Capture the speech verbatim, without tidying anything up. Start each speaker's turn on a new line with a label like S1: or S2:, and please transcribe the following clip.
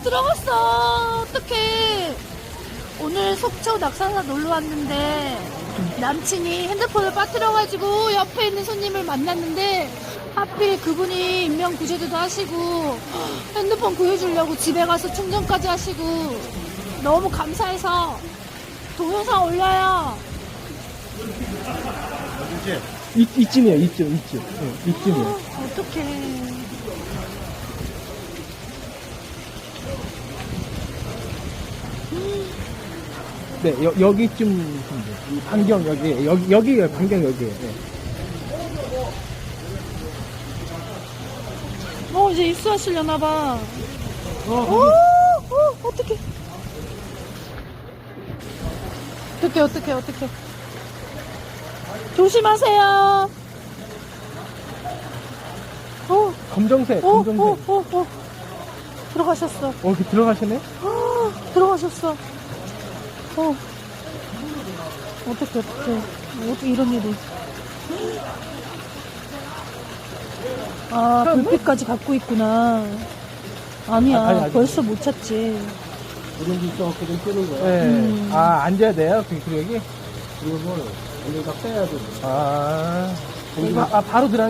S1: 들어갔어. 어떡해. 오늘 속초 낙산사 놀러 왔는데 남친이 핸드폰을 빠뜨려가지고 옆에 있는 손님을 만났는데 하필 그분이 인명구조대도 하시고 핸드폰 구해주려고 집에 가서 충전까지 하시고 너무 감사해서 동영상 올려요.
S2: 이, 이쯤이에요, 이쯤, 이쯤. 네, 이쯤이에요.
S1: 어, 어떡해.
S2: 네, 여, 여기쯤, 이 반경 여기, 여기, 여기에요, 반경 여기에요. 네.
S1: 어, 이제 입수하시려나봐.
S2: 어,
S1: 오, 오, 어떡해. 어떡해, 어떡해, 어떡해. 조심하세요. 어,
S2: 검정색,
S1: 오,
S2: 검정색.
S1: 오, 오, 오. 들어가셨어.
S2: 어, 이렇게 들어가시네?
S1: 아, 들어가셨어. 어. 어떡해, 어떡해. 어떻게 이런 일이. 아, 불빛까지 갖고 있구나. 아니야,
S2: 아, 아니, 아니.
S1: 벌써 못 찾지.
S3: 누룽지 있어갖고 끄는 거야.
S2: 네.
S1: 음.
S2: 아, 앉아야 돼요, 그, 그 여기?
S3: 이걸 여기다 빼야 돼.
S2: 아, 아, 아 바로 들어